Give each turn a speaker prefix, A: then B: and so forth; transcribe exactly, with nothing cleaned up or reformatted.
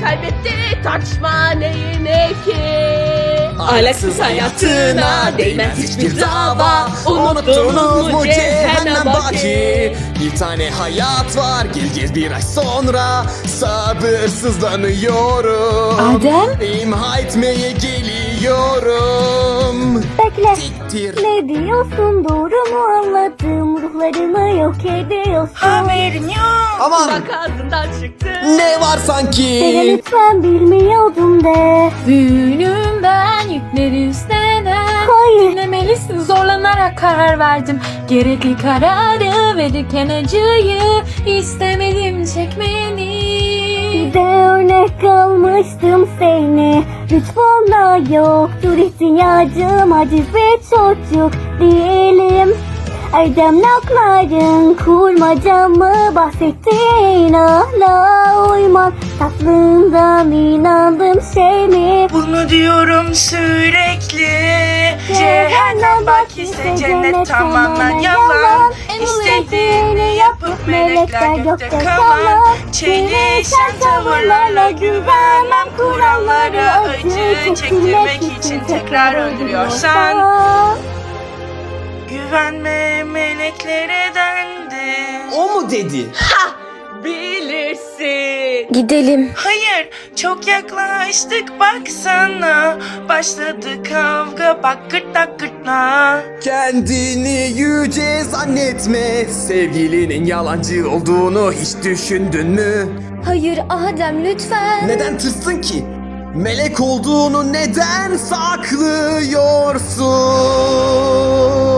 A: kaybetti, tartışma neyine ki?
B: Ahlaksız hayatına değmez hiçbir dava.
A: Unuttunuz mu cehennem baki?
C: Bir tane hayat var, geleceğiz bir ay sonra. Sabırsızlanıyorum.
D: Adem?
C: İmha etmeye geliyorum.
D: Bekle.
C: Siktir.
D: Ne diyorsun, doğru mu anladım? Ruhlarını yok ediyorsun.
B: Haberin yok.
C: Aman,
A: Bak ağzından çıktı.
C: ne var
D: Seni
C: sanki?
D: lütfen bilmiyordum de.
E: Büyüğüm ben, yükleri üstlenen.
D: Hayır.
E: Dinlemelisin, zorlanarak karar verdim. Gerekli kararı verirken acıyı istemedim çekmeni.
D: Bir de örnek almıştım seni. Lütfunla yoktur ihtiyacım. Aciz bir çocuk değilim. Erdem lafların kurmaca mı? Bahsettiğin hala uyman. Tatlından inandım şey mi?
B: Bunu diyorum sürekli. Cehennem bak ise cennet tamamen yalan. İstediğini yapıp melekler gökte kalan. Çelişen tavırlarla güvenmem. Kurallara acı çektirmek için tekrar öldürüyorsan. Güvenme meleklere dendi.
C: O mu dedi?
A: Bilirsin.
E: Gidelim.
B: Hayır, çok yaklaştık baksana. Başladı kavga, bak gırtlak gırtlağa.
C: Kendini yüce zannetme. Sevgilinin yalancı olduğunu hiç düşündün mü?
E: Hayır Adem, lütfen.
C: Neden tırstın ki? Melek olduğunu neden saklıyorsun?